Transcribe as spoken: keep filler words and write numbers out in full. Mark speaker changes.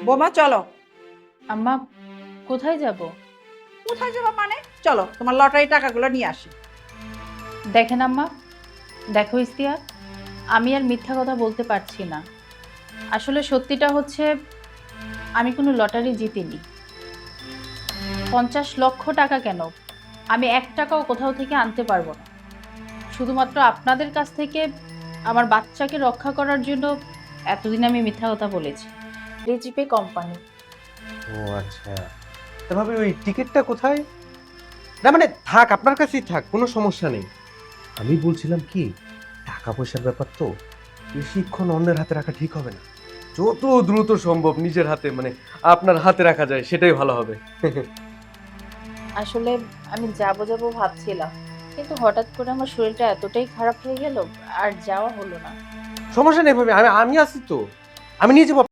Speaker 1: বোমা চলো।
Speaker 2: আম্মা, কোথায় যাব?
Speaker 1: কোথায় যাবো মানে? চলো তোমার লটারি টাকাগুলো নিয়ে আসি।
Speaker 2: দেখেন আম্মা, দেখো ইস্তিয়া, আমি আর মিথ্যা কথা বলতে পারছি না। আসলে সত্যিটা হচ্ছে আমি কোনো লটারি জিতিনি। পঞ্চাশ লক্ষ টাকা কেন, আমি এক টাকাও কোথাও থেকে আনতে পারবো না। শুধুমাত্র আপনাদের কাছ থেকে আমার বাচ্চাকে রক্ষা করার জন্য এতদিন আমি মিথ্যা কথা বলেছি। রিজিপে কোম্পানি।
Speaker 3: ও আচ্ছা, তবে ওই টিকিটটা কোথায়? না মানে থাক, আপনার কাছেই থাক, কোনো সমস্যা নেই। আমি বলছিলাম কি, টাকা পয়সার ব্যাপার তো বেশিক্ষণ অন্যের হাতে রাখা ঠিক হবে না। যত দ্রুত সম্ভব নিজের হাতে, মানে আপনার হাতে রাখা যায় সেটাই ভালো হবে।
Speaker 2: আসলে আমি যাবো যাবো ভাবছিলাম, কিন্তু হঠাৎ করে আমার শরীরটা এতটাই খারাপ হয়ে গেল, আর যাওয়া হলো না।
Speaker 3: সমস্যা নেই ভাবে, আমি আমি আছি তো, আমি নিয়ে যাবো।